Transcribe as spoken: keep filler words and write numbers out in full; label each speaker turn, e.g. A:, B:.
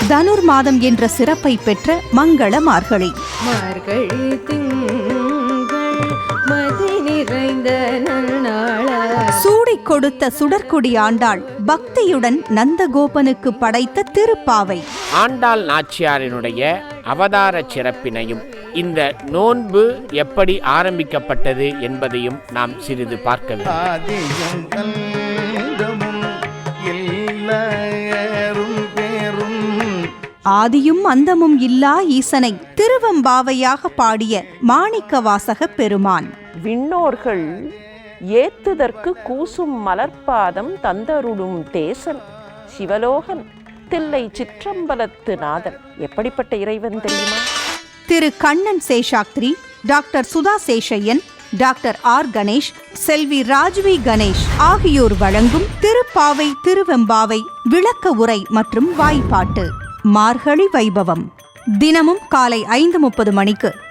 A: தனுர் மாதம் என்ற சிறப்பை பெற்ற மங்கள மார்கழி.
B: மார்கழி திங்கள் மதி நிறைந்த
A: சூடிக் கொடுத்த சுடற்கொடி ஆண்டாள் பக்தியுடன் நந்தகோபனுக்கு படைத்த திருப்பாவை.
C: ஆண்டாள் நாச்சியாரினுடைய அவதார சிறப்பினையும் இந்த நோன்பு எப்படி ஆரம்பிக்கப்பட்டது என்பதையும் நாம் சிறிது பார்க்க வேண்டும்.
A: ஆதியும் அந்தமும் இல்லா ஈசனை திருவம்பாவையாக பாடிய மாணிக்க வாசக பெருமான்.
D: விண்ணோர்கள் ஏத்துதற்கு கூசும் மலர்பாதம் தந்தருடும் தேசன் சிவலோகன் தில்லை சிற்றம்பலத்து நாதன். எப்படிப்பட்ட இறைவன் தெரியுமா?
A: Thiru Kannan Seshadri, doctor Sudha Seshaiyan, doctor R Ganesh, Selvi Rajvi Ganesh ஆகியோர் வழங்கும் திருப்பாவை திருவெம்பாவை விளக்க உரை மற்றும் வாய்ப்பாட்டு. மார்கழி வைபவம் தினமும் காலை ஐந்து முப்பது மணிக்கு